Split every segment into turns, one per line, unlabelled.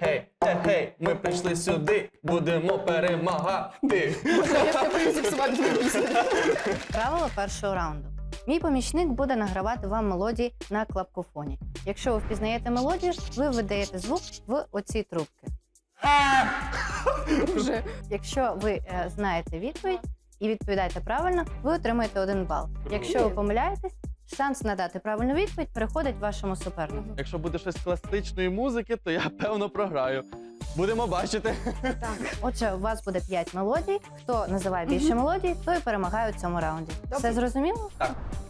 Гей, гей, ми прийшли сюди, будемо перемагати.
Я все боюсь зіпсувати твою пісню.
Правило першого раунду. Мій помічник буде награвати вам мелодії на клапкофоні. Якщо ви впізнаєте мелодію, ви видаєте звук в оці трубки.
Вже.
Якщо ви знаєте відповідь і відповідаєте правильно, ви отримаєте 1 бал. Якщо ви помиляєтесь, шанс надати правильну відповідь переходить вашому супернику.
Якщо буде щось класичної музики, то я, певно, програю. Будемо бачити.
Отже, у вас буде 5 мелодій. Хто називає більше мелодій, той перемагає у цьому раунді. Все зрозуміло?
Так.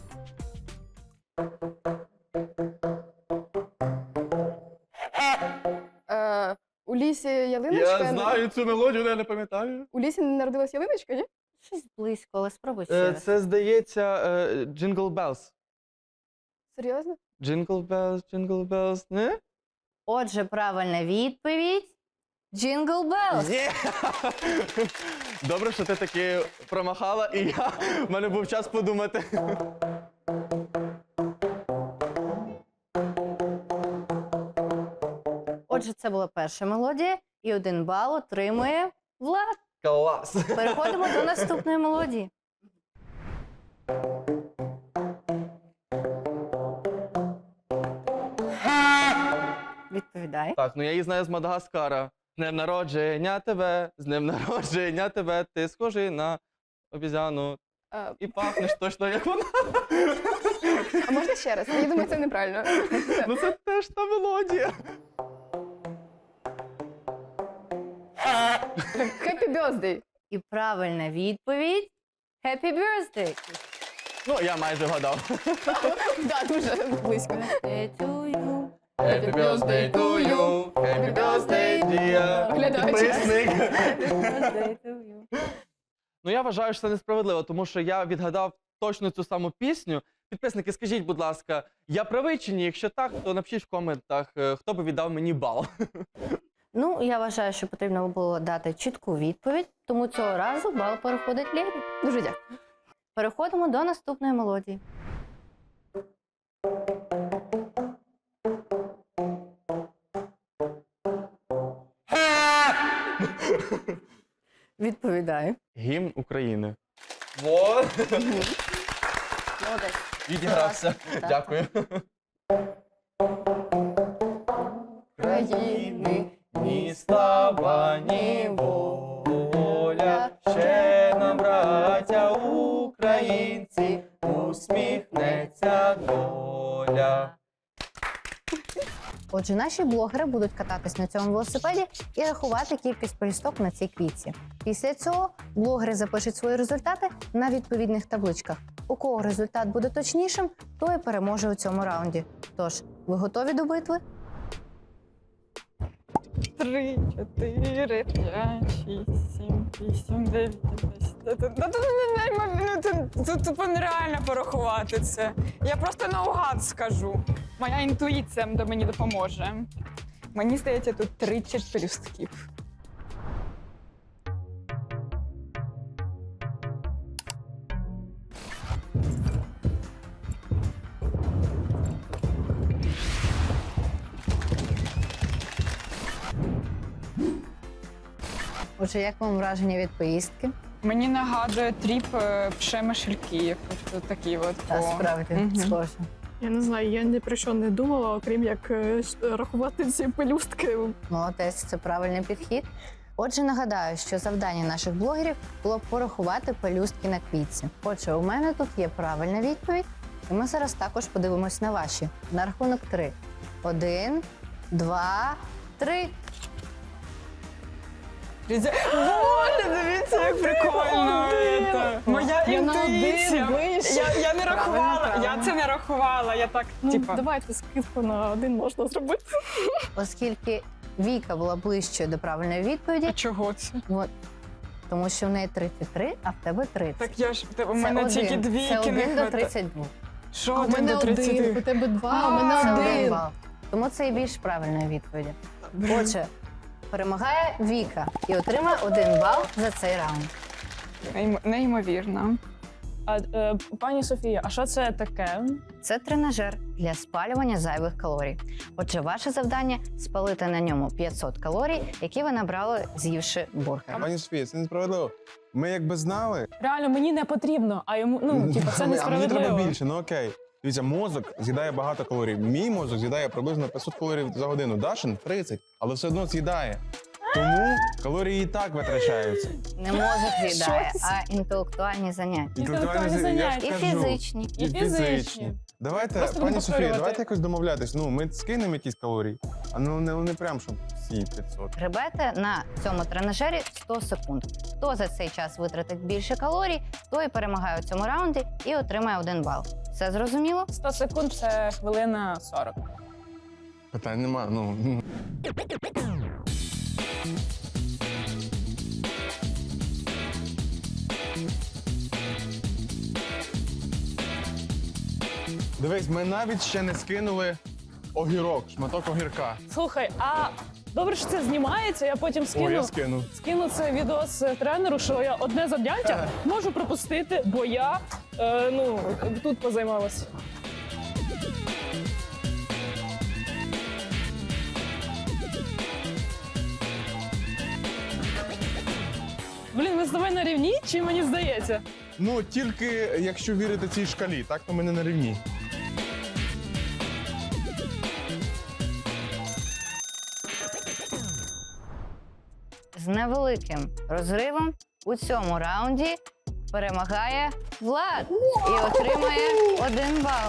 У лісі ялиночка.
Я знаю цю мелодію, але я не пам'ятаю.
У лісі не народилась ялиночка, ні?
Щось близько, але спробуй ще раз.
Це, здається, Jingle Bells.
Серйозно?
Jingle Bells, не?
Отже, правильна відповідь – Jingle Bells.
Є! Добре, що ти таки промахала, і в мене був час подумати.
Отже, це була перша мелодія, і 1 бал отримує Влад.
Клас!
Переходимо до наступної мелодії. Відповідай.
Так, ну я її знаю з Мадагаскара. З днем народження тебе, з днем народження тебе, ти схожий на обізяну. І пахнеш точно, як вона.
А можна ще раз? Я думаю, це неправильно.
Ну це теж та мелодія.
Happy birthday.
І правильна відповідь – Happy Birthday.
Ну, я майже вгадав.
Так, дуже близько.
Birthday to you.
Happy birthday to you, happy birthday, dear
Глядач.
підписник.
Happy birthday to you.
Ну, я вважаю, що це несправедливо, тому що я відгадав точно цю саму пісню. Підписники, скажіть, будь ласка, я правий чи ні? Якщо так, то напишіть в коментах, хто би віддав мені бал.
Ну, я вважаю, що потрібно було дати чітку відповідь, тому цього разу бал переходить Лєрі.
Дуже дякую.
Переходимо до наступної мелодії. Відповідаю.
Гімн України. Вот.
Молодець.
Відігрався.
Так.
Дякую.
країни,
ні слава, ні воля, ще нам, браття українці, усміхнеться доля.
Отже, наші блогери будуть кататись на цьому велосипеді і рахувати кількість пелюсток на цій квітці. Після цього блогери запишуть свої результати на відповідних табличках. У кого результат буде точнішим, той і переможе у цьому раунді. Тож, ви готові до битви?
3, 4, 5, 6, 7, 8, 9, 10. Тут тупо нереально порахувати це. Я просто наугад скажу. Моя інтуїція мені допоможе. Мені здається, тут 30 пелюстків.
Отже, як вам враження від поїздки?
Мені нагадує тріп Пшемишельків. Ось такі от.
Та справді, схоже.
Я не знаю, я ні про що не думала, окрім як рахувати ці пелюстки.
Молодець, це правильний підхід. Отже, нагадаю, що завдання наших блогерів було порахувати пелюстки на квітці. Отже, у мене тут є правильна відповідь, і ми зараз також подивимось на ваші. На рахунок 3. 1, 2, 3.
Боже, дивіться, як прикольно. Моя
Я на
інтуїція.
один вище.
Я не рахувала,
правильно.
я це не рахувала. Я так,
Ну,
типа.
давайте скидку на 1 можна зробити.
Оскільки Віка була ближчою до правильної
А
відповіді,
чого це?
от, тому що в неї 33, а в тебе 30.
Так я ж у
Це
мене
один.
тільки
Це
двійки
1
не
до
хватає.
32.
Що
А в
1
мене
до
1,
30?
у тебе 2, а в мене
Це 1
1.
бал. Тому це і більш правильної відповіді. Отже, перемагає Віка і отримає 1 бал за цей раунд.
Неймовірно.
Пані Софія, а що це таке?
Це тренажер для спалювання зайвих калорій. Отже, ваше завдання спалити на ньому 500 калорій, які ви набрали, з'ївши бургер.
Пані Софія, це несправедливо. Ми якби знали,
Реально, мені не потрібно, а йому, це
а мені
несправедливо.
треба більше, ну окей. Дивіться, мозок з'їдає багато калорій. Мій мозок з'їдає приблизно 500 калорій за годину. Дашин 30, але все одно з'їдає. Тому калорії і так витрачаються.
Не мозок з'їдає,
Щось.
а інтелектуальні заняття.
Інтелектуальні
я ж
заняття.
І
кажу.
фізичні.
І фізичні.
Давайте,
Просто
пані
будемо
Софія,
повторювати.
давайте якось домовлятись. Ну, ми скинемо якісь калорії, а ну не прям, щоб всі 500.
Гребете на цьому тренажері 100 секунд. Хто за цей час витратить більше калорій, той перемагає у цьому раунді і отримає 1 бал. Все зрозуміло?
100 секунд – це хвилина 40.
Питань нема, ну. Дивись, ми навіть ще не скинули огірок, шматок огірка.
Слухай, а добре, що це знімається, я потім
О, я
скину.
скину.
Скину це відос тренеру, що я одне завдяття можу пропустити, бо я тут позаймалась. Блін, ми з тобою на рівні, чи мені здається?
Ну, тільки якщо вірити цій шкалі, так то ми не на рівні.
З невеликим розривом у цьому раунді перемагає Влад і отримає 1 бал.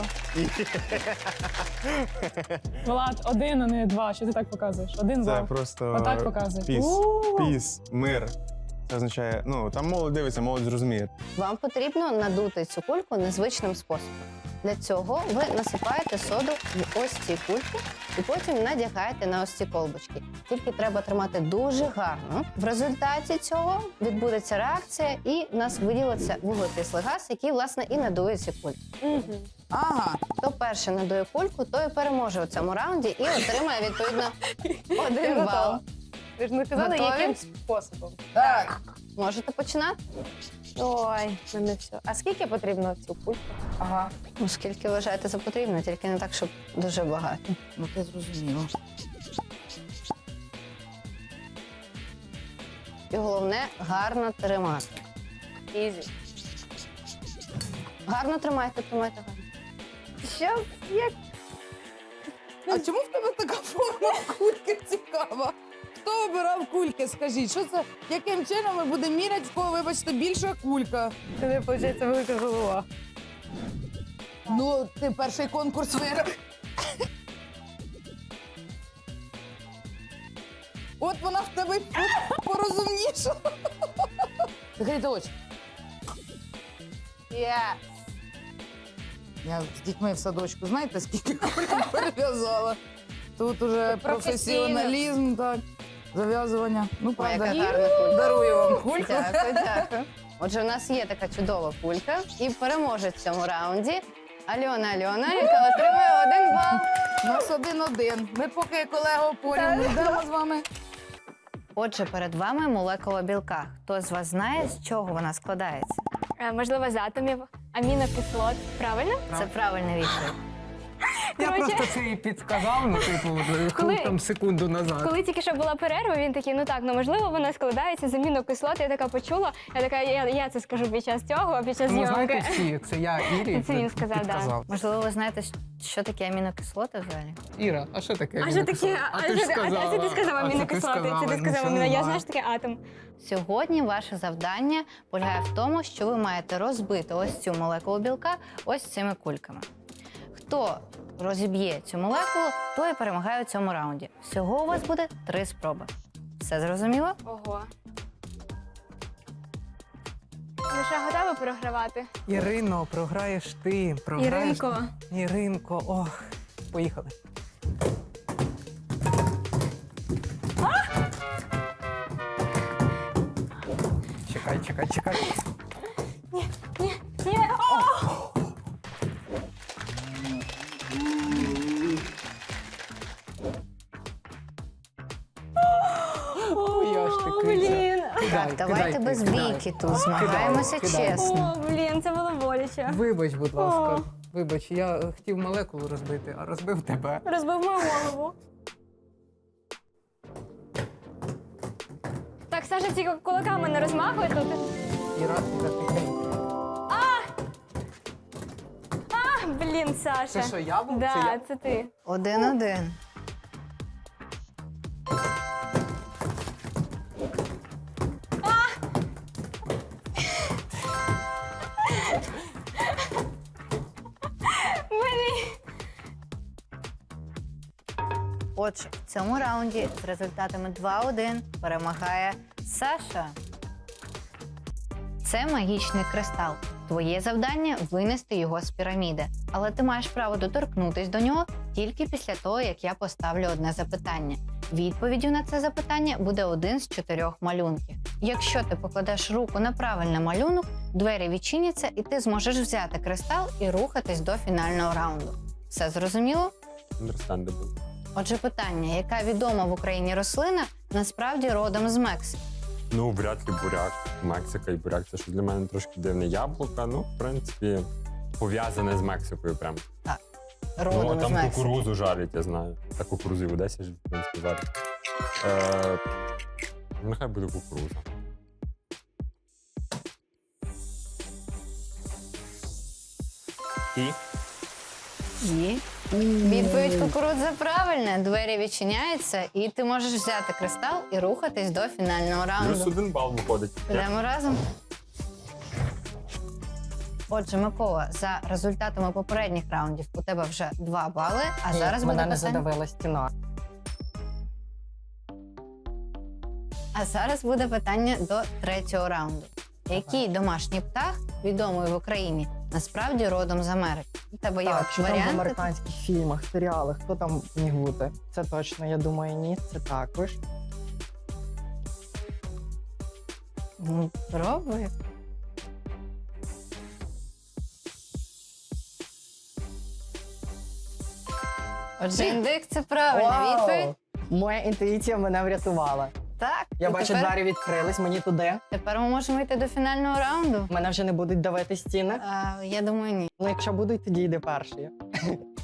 Влад, 1, а не 2. Що ти так показуєш? 1
Це
бал.
просто
Отак показує.
піс,
У-у-у.
піс, мир. Це означає, ну, там молодь дивиться, молодь зрозуміє.
Вам потрібно надути цю кульку незвичним способом. Для цього ви насипаєте соду в ось ці кульки і потім надягаєте на ось ці колбочки. Тільки треба тримати дуже гарно. В результаті цього відбудеться реакція і в нас виділиться вуглекислий газ, який, власне, і надує ці кульки. Ага, хто перший надує кульку, той і переможе у цьому раунді і отримає, відповідно, 1 бал.
Ви ж не казали,
Готові?
яким способом.
Так. Можете починати?
Ой, мене все. А скільки потрібно цю кульку?
Ага. Ну, скільки вважаєте за потрібно, тільки не так, щоб дуже багато.
Ну, ти зрозуміло.
І головне гарно тримати.
Ізі.
Гарно тримайте гарно.
Що? Як?
А чому в тебе така форма кульки цікава? Хто обирав кульки? Скажіть, що це? Яким чином ми будемо міряти, в кого, вибачте, більша кулька?
Це, виходить, велика голова.
Ну, ти перший конкурс виграв. От вона в тебе порозумніша. Закрийте очі. Я з дітьми в садочку, знаєте, скільки кульок перев'язала? Тут уже професіоналізм, так, зав'язування. Ну,
Ой, яка
правда,
гарна кулька.
дарую вам кульку.
Дякую. Отже, у нас є така чудова кулька і переможець в цьому раунді Альона, яка отримує 1 бал.
У нас 1-1. Ми поки колегу порівну йдемо з вами.
Отже, перед вами молекула білка. Хто з вас знає, з чого вона складається?
Можливо, з атомів амінокислот. Правильно?
Це правильна відповідь.
Я
Коротше,
просто це і підсказав, ну, типу,
Коли-
там секунду назад.
коли тільки що була перерва, він такий, можливо, вона складається з амінокислот. Я така почула, я така, я це скажу під час цього, під час
Ну, знаєте
зйомки.
всі, це я Ірі
Це він сказав,
підказав.
Можливо, ви знаєте, що таке амінокислоти взагалі?
Іра, а що таке?
А що таке?
амінокислоти? ти ж сказала.
це ти сказав
А це
амінокислоти, це ти
ну,
сказав
що
аміно. Я
нема.
знаю, що таке атом.
Сьогодні ваше завдання полягає в тому, що ви маєте розбити ось цю молекулу білка ось цими кульками. Хто розіб'є цю молекулу, той і перемагає у цьому раунді. Всього у вас буде 3 спроби. Все зрозуміло?
Ого. Ви що, готові програвати?
Ірино, програєш ти. Програєш...
Іринко.
Іринко, ох. Поїхали. Чекай.
Ні.
Ой, я ж
О,
такий.
блін.
Кидай,
Так, давайте
кидай,
без
кидай.
бійки тут змагаємося
Кидай.
чесно.
О, блін, це було боляче.
Вибач, будь ласка. Вибач, я хотів молекулу розбити, а розбив тебе.
Розбив мою голову. Так, Саша, тільки кулаками не розмахуй тут.
Іра, Іра, тихенько.
Блін, Саша.
Це що, я був? Це
Да,
я?
це ти.
1-1. Отже, в цьому раунді з результатами 2-1 перемагає Саша. Це магічний кристал. Твоє завдання – винести його з піраміди. Але ти маєш право доторкнутись до нього тільки після того, як я поставлю одне запитання. Відповіддю на це запитання буде один з 4 малюнків. Якщо ти покладеш руку на правильний малюнок, двері відчиняться і ти зможеш взяти кристал і рухатись до фінального раунду. Все зрозуміло?
Understandable.
Отже, питання, яка відома в Україні рослина, насправді родом з Мексики.
Ну, вряд ли буряк. Мексика і буряк це що для мене трошки дивне яблука. Ну, в принципі, пов'язане з Мексикою прям.
Родом
Ну,
з
там
Мексики.
кукурузу жарять, я знаю. Та кукурузу і в Одесі ж, в принципі, жарять. Нехай буде кукуруза. І?
І відповідь кукурудза правильна. Двері відчиняються, і ти можеш взяти кристал і рухатись до фінального
Плюс
раунду.
1 бал виходить.
Йдемо разом. Отже, Микола, за результатами попередніх раундів у тебе вже 2 бали, а зараз буде
мене не
питання.
задавила стіна.
А зараз буде питання до 3-го раунду. Який домашній птах, відомий в Україні, насправді родом з Америки? У тебе є
Так, що там в
варіанти?
американських фільмах, серіалах, хто там міг бути? Це точно, я думаю, ні, це також.
Ну, пробуй. Отже, індик це правильна відповідь.
Моя інтуїція мене врятувала.
Так.
Я
і
бачу,
тепер,
двері відкрились, мені туди.
тепер ми можемо йти до фінального раунду.
Мене вже не будуть давити стіни.
Я думаю, ні.
Ну, якщо будуть, тоді йди перший.